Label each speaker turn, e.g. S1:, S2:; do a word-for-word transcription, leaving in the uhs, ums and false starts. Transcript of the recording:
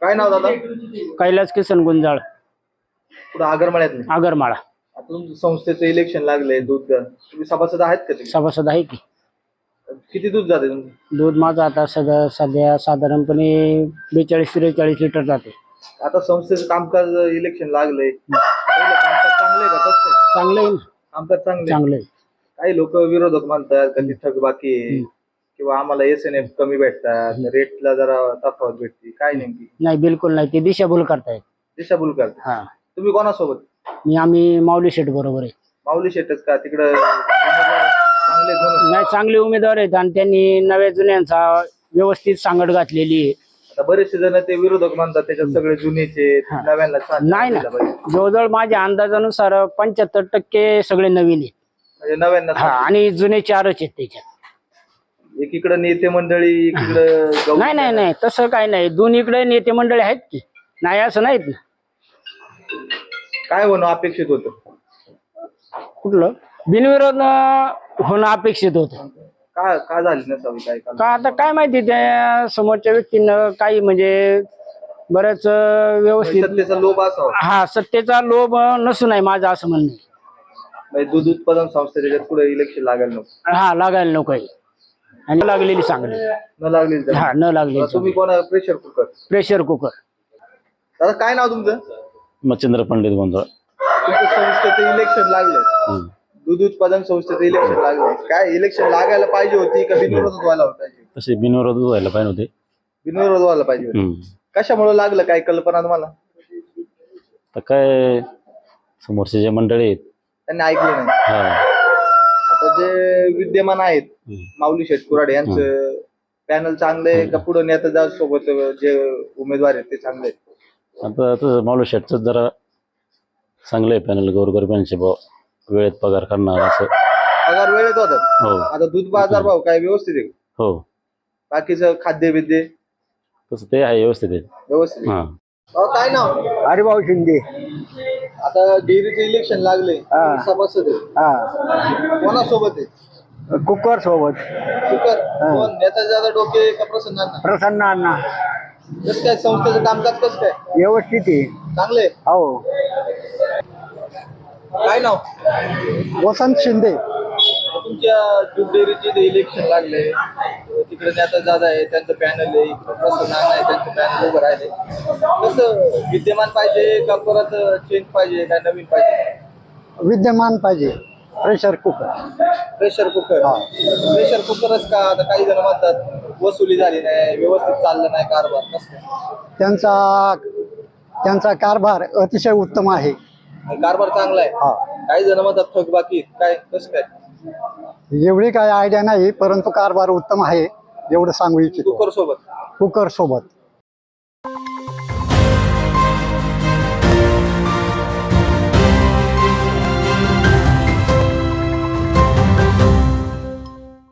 S1: काय नाव दादा?
S2: कैलास किसन गुंजाळ,
S1: पुढे आगरमाळ्यात नाही.
S2: आगरमाळा.
S1: आता तुमच्या संस्थेचं इलेक्शन लागलंय दूध, तुम्ही सभासद आहेत का ते?
S2: सभासद आहे की.
S1: किती दूध जाते तुमचं?
S2: दूध माझं आता सध्या सध्या साधारणपणे बेचाळीस त्रेचाळीस लिटर जाते.
S1: आता संस्थेचं कामकाज इलेक्शन लागलंय, पहिलं कामकाज चांगलंय का कसं आहे?
S2: चांगलं आहे ना.
S1: कामकाज चांगलंय.
S2: चांगलं आहे.
S1: काही लोक विरोधक म्हणतात कधी थकबाकी आहे किंवा आम्हाला एस एन एफ कमी भेटतात, रेटला जरा तफावत भेटते, काय नेमकी?
S2: नाही, बिलकुल नाही. ते दिशाभूल करतायत.
S1: दिशाभूल करतात.
S2: हा,
S1: तुम्ही कोणासोबत?
S2: मी आम्ही माऊली शेठ बरोबर आहे.
S1: माऊली शेटच का तिकडं उमेदवार चांगले म्हणून?
S2: नाही, चांगले उमेदवार आहेत आणि त्यांनी नव्या जुन्यांचा व्यवस्थित सांगड घातलेली आहे.
S1: आता बरेचसे जण ते विरोधक म्हणतात त्याच्यात सगळे जुनेचे, नव्याला छान
S2: नाही ना,
S1: दिला पाहिजे.
S2: जवळजवळ माझ्या अंदाजानुसार पंच्याहत्तर टक्के सगळे नवीन आहेत.
S1: म्हणजे नव्याण्णव
S2: हा, आणि जुने चारच आहेत त्याच्यात.
S1: एकीकडे नेते मंडळी, एकीकडे गौ-
S2: नाही नाही नाही, तसं काही नाही. दोन्हीकडे नेते मंडळी आहेत की, नाही असं नाहीत ना.
S1: काय होणं अपेक्षित होतं?
S2: कुठलं बिनविरोध अं, होणं अपेक्षित होतं.
S1: का का झाली नसावी? काय का
S2: का आता काय माहिती, त्या समोरच्या व्यक्तीनं काही म्हणजे बऱ्याच अं, व्यवस्थित.
S1: सत्तेचा लोभ असावा.
S2: हा, सत्तेचा लोभ अं, नसू नये माझं असं म्हणणं आहे.
S1: म्हणजे दूध उत्पादन संस्था त्याच्यात पुढे इलेक्शन लागायला नको.
S2: हा, लागायला नको आहे. आणि लागलेली चांगली.
S1: न लागली तर.
S2: हा, न लागलेली
S1: तुम्ही कोणा प्रेशर कुकर?
S2: Pressure cooker.
S1: दादा काय नाव तुमचं?
S3: मच्छिंद्र पंडित गोंधळ.
S1: तुमच्या संस्थेचं इलेक्शन लागलं, दूध उत्पादन संस्थेचं इलेक्शन लागलं. काय इलेक्शन लागायला पाहिजे होती का बिनविरोध व्हायला पाहिजे?
S3: तसे बिनविरोध व्हायला पाहिजे होते.
S1: बिनविरोध व्हायला पाहिजे होती.
S3: हम्म.
S1: कशामुळे लागलं, काय कल्पना तुम्हाला?
S3: तर काय समोरचे जे मंडळी आहेत,
S1: त्यांनी ऐकलं नाही.
S3: हा,
S1: आता जे विद्यमान आहेत,
S3: हम्म.
S1: माऊली शेठ कुराडे यांचं पॅनल चांगलं आहे का पुढे नेता सोबत जे उमेदवार आहेत ते चांगले आहेत?
S3: आता तसं माऊली शेटच जरा चांगलं आहे पॅनल. गोरगरिबांचे भाव वेळेत पगार करणार असं.
S1: पगार वेळेत होतात.
S3: हो
S1: आता दूध बाजार भाव काय व्यवस्थित आहे?
S3: हो,
S1: बाकीचं खाद्य विद्ये
S3: तसं ते आहे, व्यवस्थित आहे.
S1: व्यवस्थित आहे.
S3: हा.
S1: अहो, काय नाव?
S2: हरिभाऊ शिंदे.
S1: आता डेअरीचे इलेक्शन लागले, सभासद आहे.
S2: हा,
S1: कोणासोबत आहे?
S2: कुकर सोबत
S1: कुकर कोण? नेता दादा डोके का प्रसन्न?
S2: प्रसन्न अण्णा.
S1: कसं काय संस्थेचं कामकाज कसं काय?
S2: व्यवस्थित आहे.
S1: चांगले.
S2: हो.
S1: काय नाव?
S2: वसंत शिंदे.
S1: तुमच्या दूध डेअरीचे इलेक्शन लागले, तिकडे नेता दादा आहे, त्यांचं पॅनल आहे, इकडे प्रसन्न अण्णा आहे, त्यांचं पॅनल उभं राहिले. कसं विद्यमान पाहिजे का परत चेंज पाहिजे, काय नवीन पाहिजे?
S2: विद्यमान पाहिजे. Pressure cooker.
S1: Pressure cooker. Pressure कुकरच का? आता काही जण म्हणतात वसुली झाली नाही, व्यवस्थित चाललं नाही कारभार. कसं?
S2: त्यांचा त्यांचा कारभार अतिशय उत्तम आहे.
S1: कारभार चांगला आहे. काही जण म्हणतात थकबाकी. काय कसं काय?
S2: एवढी काही आयडिया नाही, परंतु कारभार उत्तम आहे एवढं सांगू इच्छितो.
S1: कुकर सोबत.
S2: कुकर सोबत